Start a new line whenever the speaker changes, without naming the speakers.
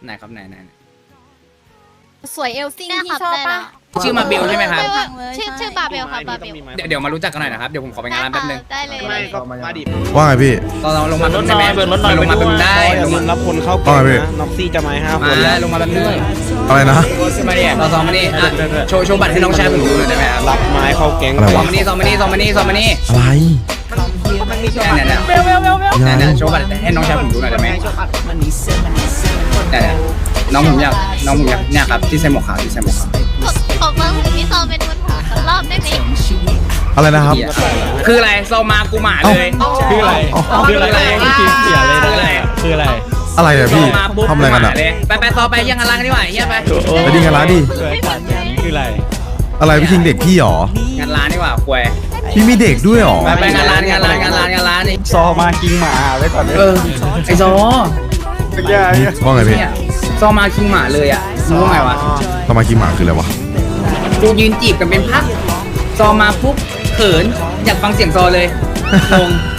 ไหนครับไหน
สวยเอลซิ่งที่ชอบปะ
ชื่อมาเบลใช่ไหมครับ
ชื่อบาเบลครับบาเบล
เดี๋ยวมารู้จักกันหน่อยนะครับเดี๋ยวผมขอไปงานร้านแป๊บนึง
ได้เลย
ไม่ก็มาดิ
ว่าไงพี่
เราลงมา
เบิ
แป๊
ร์
บ
ร
นึ
ถ
ง
หน่
ได้
อย
ไหม
เบิร์รถหน่อย
ลงมาแป๊บนึงได้
อย่าลืมรับคนเข้าเกมนะน็อกซี่จะมาให้5 คน
มาลงมาแป๊บนึง
อะไรนะ
ขึ้นมาดิเราซ้อมมาดิโชว์บัตรให้น้องชายผมดูหน่อยได้ไหมครับ
รับไม้เข้าแก๊ง
อะไร
ซ้อ
วะ
มมานี่ซ้อมมานี่ซ้อมมานี่ซ้อมมานี่
อะไร
เนี่ย
ยังไง
โชว์บัตรให้น้องชายผมดูหน่อยได้ไหมเนี่ยน้องผมอยากเนี่ยครับที่ใส่หมวกขาวที่ใส่หมวกขาว
ขอฟังถึงที่ซอมเป็นวันผ่ารอบได้ไหม
อะไรนะครับ
คืออะไรโซมากูหมาเลย
คืออะไรคืออะไรไม่คิดเสียเลยคืออะไร
อะไรอะ
โซ
พี่
มาปุ๊บ
ทำอะไรกันอะ
เลยไปซอไปยังกันร้านกันดีกว่าเฮียไป
ไปดิงานร้านดิ
คืออะไร
อะไรพี่คิงเด็กพี่หรอ
งานร้านดีกว่าควย
พี่มีเด็กด้วยหรอ
ไปงานร้านนี่
ซอมากิงหมาไว้ก่อนเลย
ไอโซ
ว่าไงพี่
เนี่ยโซมาคิงหมาเลยอ่ะรู้ไงวะ
ทำไมกินหมาคืออะไรวะ
กูยืนจีบกันเป็นพักโซมาปุ๊บเขินอยากฟังเสียงโซเลยงง